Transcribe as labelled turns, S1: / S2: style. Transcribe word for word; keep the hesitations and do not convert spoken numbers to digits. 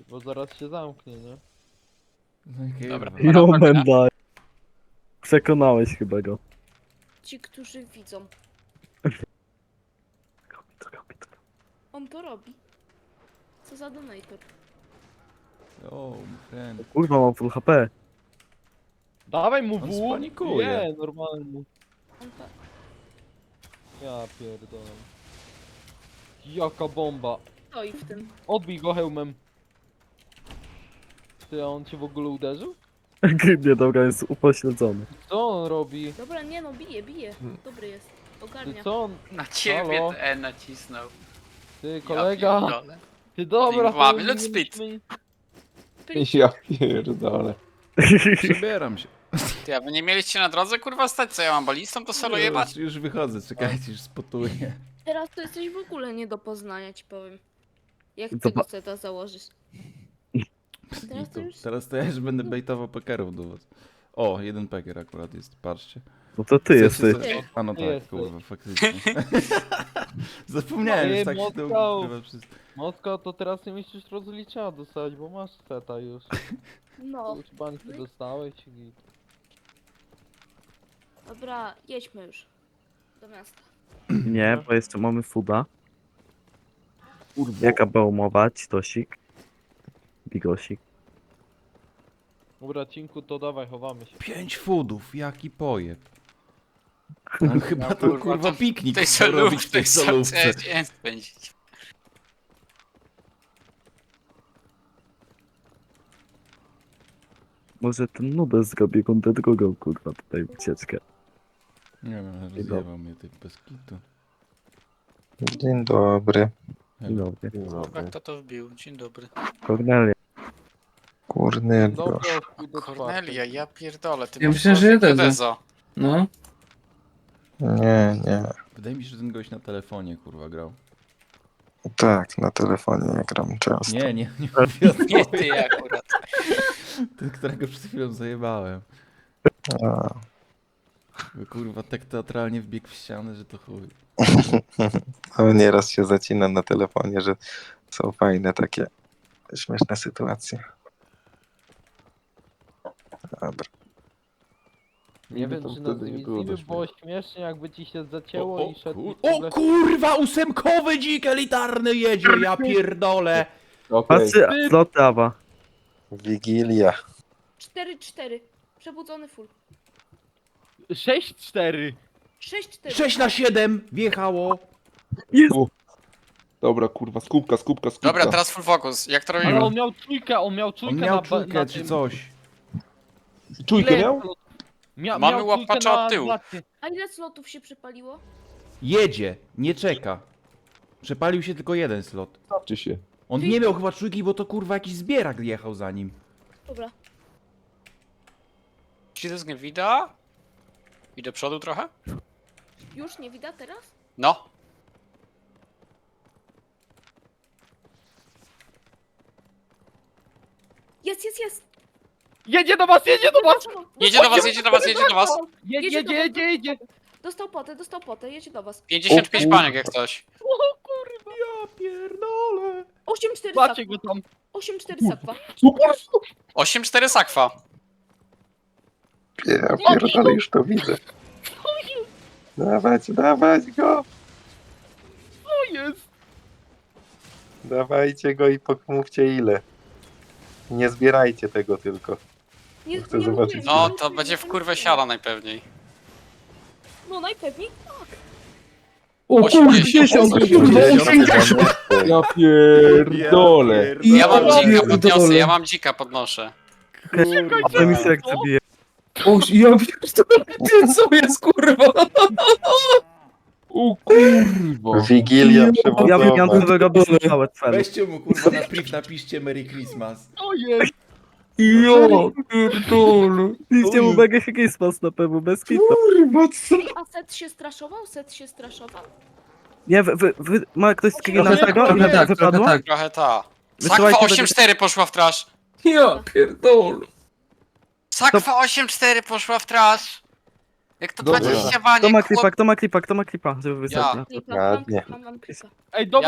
S1: Bo zaraz się zamknie, nie?
S2: No i
S3: Dobra.
S2: kurwa.
S4: Jo, menda. Przekonałeś chyba go.
S5: Ci, którzy widzą.
S4: Robi to, robi to.
S5: On to robi. Co za donator.
S2: O, friend.
S4: Kurwa, mam full H P.
S1: Dawaj mu
S2: On
S1: w.
S2: spanikuje.
S1: Nie, normalnie.
S5: On to...
S1: Ja pierdolę. Jaka bomba.
S5: stoi w tym.
S1: Odbij go hełmem. Ty, a on cię w ogóle uderzył?
S4: Nie, dobra, jest upośledzony.
S1: Co on robi?
S5: Dobra, nie no, bije, bije. Dobry jest.
S1: Ty
S5: Ogarnia.
S1: co on?
S3: Na ciebie
S1: Halo?
S3: E nacisnął.
S1: Ty
S3: Ja
S1: kolega.
S3: pierdolę.
S1: Ty dobra,
S3: Mamy
S1: to
S3: loot
S1: nie
S3: speed.
S1: musimy-
S6: Ja pierdolę.
S2: Przebieram się.
S3: Ty, a wy nie mieliście na drodze kurwa stać, co ja mam balistą, to solo jebać?
S2: Już, już wychodzę, czekajcie, już spotuję.
S5: Teraz to jesteś w ogóle nie do poznania, ci powiem. Jak
S4: Zoba-
S5: tego seta założysz? Teraz to
S2: To,
S5: już...
S2: teraz to ja już będę bejtował pekerów do was. O, jeden peker akurat jest, patrzcie.
S4: No to ty
S2: Chcecie
S4: jesteś.
S2: za- A no
S1: Ty
S2: tak,
S1: jesteś.
S2: kurwa, faktycznie. Zapomniałem,
S1: Ej,
S2: że tak się to
S1: Moskał.
S2: ukrywa wszystko.
S1: Moskwa, to teraz nie musisz rozlicza dostać, bo masz seta już.
S5: No.
S1: Już bańkę dostałeś i...
S5: Dobra, jedźmy już. Do miasta.
S4: Nie, bo jeszcze mamy fuda.
S6: Kurwa.
S4: Jaka była umowa? Citosik. Bigosik.
S1: Dobra, cinku, to dawaj, chowamy się.
S2: Pięć foodów, jaki pojeb. On chyba
S3: No,
S2: to
S3: kurwa,
S2: kurwa
S3: to
S2: piknik
S3: W tej
S2: chciał
S3: solówce,
S2: robić w tej
S3: w
S2: solówce.
S3: dzień spędzić.
S4: Może ten nubes zrobi rundę drugą, kurwa, tutaj ucieczkę.
S2: Nie wiem, rozjebał mnie ty bez kitu.
S7: Dzień dobry.
S4: Dzień dobry.
S3: Kurwa, kto to wbił? Dzień dobry.
S4: Kornelia.
S7: Kurny
S1: Dobra,
S7: gość.
S1: chuj do
S3: Kornelia, ja pierdolę, ty
S8: Ja
S3: masz
S8: myślałem, że ja
S3: profil
S8: też.
S3: Dezo.
S8: No.
S7: Nie, nie.
S2: Wydaje mi się, że ten gość na telefonie kurwa grał.
S7: Tak, na telefonie gram często.
S2: Nie, nie, nie mówię o
S3: Nie
S2: tobie.
S3: ty akurat.
S2: Ten, którego przed chwilą zajebałem.
S7: A,
S2: Bo, kurwa, tak teatralnie wbiegł w ścianę, że to chuj.
S7: no, nieraz się zacina na telefonie, że są fajne takie śmieszne sytuacje. Dobra.
S1: Nie
S6: My
S1: wiem,
S6: tam
S1: czy nas
S6: wtedy
S1: nie
S6: nie było
S1: widzimy,
S6: do
S1: było śmiesznie, jakby ci się zacięło
S2: o,
S1: i szedł
S2: kur...
S1: i w ogóle...
S2: o kurwa, ósemkowy dzik elitarny jedzie, ja pierdolę.
S6: Okej.
S4: Patrzy, slot Awa.
S7: Wigilia.
S5: cztery cztery. Przebudzony full.
S1: sześć cztery.
S5: sześć cztery.
S2: sześć na siedem wjechało.
S4: Jest!
S6: Dobra, kurwa, skupka, skupka, skupka.
S3: Dobra, teraz full focus. Jak to
S1: Ale
S3: robimy?
S1: on miał trójkę, on miał trójkę
S2: On
S1: na...
S2: miał
S1: ba-
S2: czujkę
S1: na
S2: czy
S1: tym.
S2: coś.
S6: Czujkę
S1: Ile
S6: miał?
S1: slot- Mia
S3: Mamy
S1: miał trójkę
S3: łapacza
S1: na
S3: od tyłu.
S1: blacie.
S5: A ile slotów się przepaliło?
S2: Jedzie, nie czeka. Przepalił się tylko jeden slot.
S6: Starczy się.
S2: On nie miał chyba czujki, bo to kurwa jakiś zbierak jechał za nim.
S5: Dobra.
S3: Czy to jest nie widać? I do przodu trochę?
S5: Już nie widać teraz?
S3: No.
S5: Jest, jest, jest!
S1: Jedzie do was, jedzie do was!
S3: Jedzie do was, jedzie do was, jedzie do was.
S1: Jedzie,
S5: Jedzie do
S1: jedzie,
S5: was.
S1: jedzie, jedzie!
S5: Dostał potę, dostał potę, jedzie do was.
S3: pięćdziesiąt pięć
S6: O kurwa.
S3: paniek jak coś.
S1: O kurwa!
S2: Ja pierdolę.
S5: osiem cztery
S1: Macie
S5: sakwa.
S1: go tam!
S5: osiem cztery sakwa.
S6: Super!
S3: osiem cztery sakwa.
S7: Ja pierdolę, już to widzę. Dawać, dawać go!
S1: Co jest?
S7: Dawajcie go i pomówcie ile. Nie zbierajcie tego tylko.
S5: Nie,
S7: Chcę
S5: nie
S7: zobaczyć.
S5: mówię,
S3: No
S5: nie
S3: to
S5: mówię,
S3: będzie
S5: nie
S3: w kurwę
S5: mówię.
S3: siada najpewniej.
S5: No najpewniej.
S8: O
S3: osiemdziesiąt.
S6: Ja pierdolę.
S3: Ja mam
S1: Ja
S3: dzika,
S8: pierdolę.
S3: podniosę, ja mam dzika, podnoszę.
S4: A to mi się jak zabije.
S8: O, ja pierdolę, ty co jest kurwa?
S6: O kurwa.
S7: Wigilia
S4: Ja
S7: przewodowa.
S4: wymian wyrobić całe cele.
S2: Weźcie mu kurwa na priv, napiszcie Merry Christmas.
S1: Co jest?
S8: Ja pierdolę.
S4: Idźcie mu mega Christmas na pewno, bez kitu.
S8: Kurwa, co?
S5: A set się straszował? Set się straszował?
S4: Nie, wy, wy, wy ma ktoś screena
S8: Trochę tak,
S4: tego?
S8: trochę
S4: Ile
S8: tak, trochę
S4: wypadło?
S8: tak.
S3: Trochę ta.
S4: Wysyłajcie
S3: Sakwa
S4: do-
S3: osiem cztery poszła w trash.
S8: Ja pierdolę.
S3: Sakwa osiem cztery poszła w trash. Jak to
S6: Dobra.
S3: dwadzieścia
S4: Kto ma
S3: baniek,
S4: klipa,
S3: chłop...
S4: kto ma klipa, kto ma klipa, żeby wysadzić na to.
S5: Klipa, mam,
S7: Ładnie.
S5: mam, mam klipa.
S1: Ej, dobra,